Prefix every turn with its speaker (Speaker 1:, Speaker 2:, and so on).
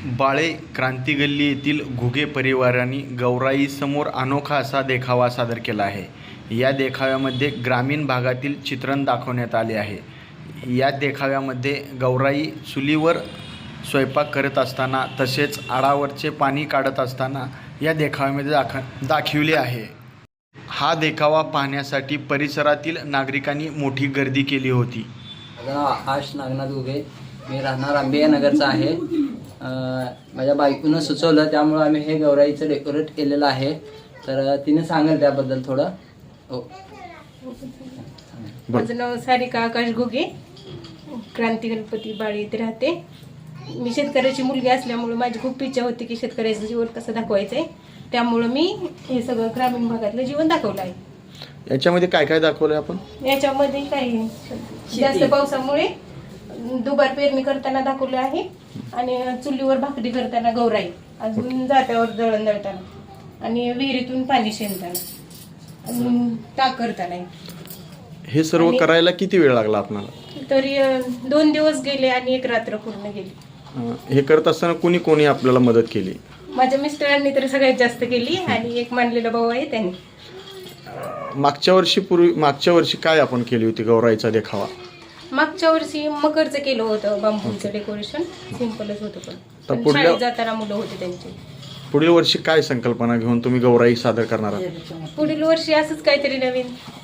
Speaker 1: बाळे क्रांती गल्ली येथील घुगे परिवाराने गौराईसमोर अनोखा असा देखावा सादर केला आहे. या देखाव्यामध्ये ग्रामीण भागातील चित्रण दाखवण्यात आले आहे. या देखाव्यामध्ये गौराई चुलीवर स्वयंपाक करत असताना तसेच आडावरचे पाणी काढत असताना या देखाव्यामध्ये दाखविले आहे. हा देखावा पाहण्यासाठी परिसरातील नागरिकांनी मोठी गर्दी केली होती.
Speaker 2: माझं नाव आकाश नागनाथ घुगे, मी राहणार आंबेया नगरचा आहे. माझ्या बायकोनं सुचवलं त्यामुळं आम्ही हे गौराईचं डेकोरेट केलेलं आहे. तर तिने सांगेल त्याबद्दल थोडं. हो,
Speaker 3: माझं नाव सारिका आकाश घुगे, क्रांती गणपती बाळे येथे राहते. मी शेतकऱ्याची मुलगी असल्यामुळे माझी खूप इच्छा होती की शेतकऱ्याचं जीवन कसं दाखवायचं आहे. त्यामुळं मी हे सगळं ग्रामीण भागातलं जीवन दाखवलं आहे.
Speaker 1: याच्यामध्ये काय काय दाखवलं आपण?
Speaker 3: याच्यामध्ये काही जास्त पावसामुळे दुबार पेरणी करताना दाखवलं आहे आणि चुलीवर भाकरी करताना गौराई, अजून जात्यावर दळण दळताना आणि विहिरीतून पाणी शेणताना अजून ताक करताना.
Speaker 1: हे सर्व करायला किती वेळ लागला आपल्याला?
Speaker 3: तरी 2 दिवस गेले आणि 1 रात्र पूर्ण गेली.
Speaker 1: हे करत असताना कोणी कोणी आपल्याला मदत केली?
Speaker 3: माझ्या मिस्टरांनी तर सगळ्यात जास्त केली आणि एक मानलेला भाऊ आहे त्यांनी.
Speaker 1: मागच्या वर्षी काय आपण केली होती गौराईचा देखावा?
Speaker 3: मागच्या वर्षी मकरचं केलं होतं, बांबूचं डेकोरेशन सिंपलच होतं. पण
Speaker 1: पुढल्या-
Speaker 3: शाळेत जाताना मुलं होते त्यांची.
Speaker 1: पुढील वर्षी काय संकल्पना घेऊन तुम्ही गौराई सादर करणार आहात?
Speaker 3: पुढील वर्षी असंच काहीतरी नवीन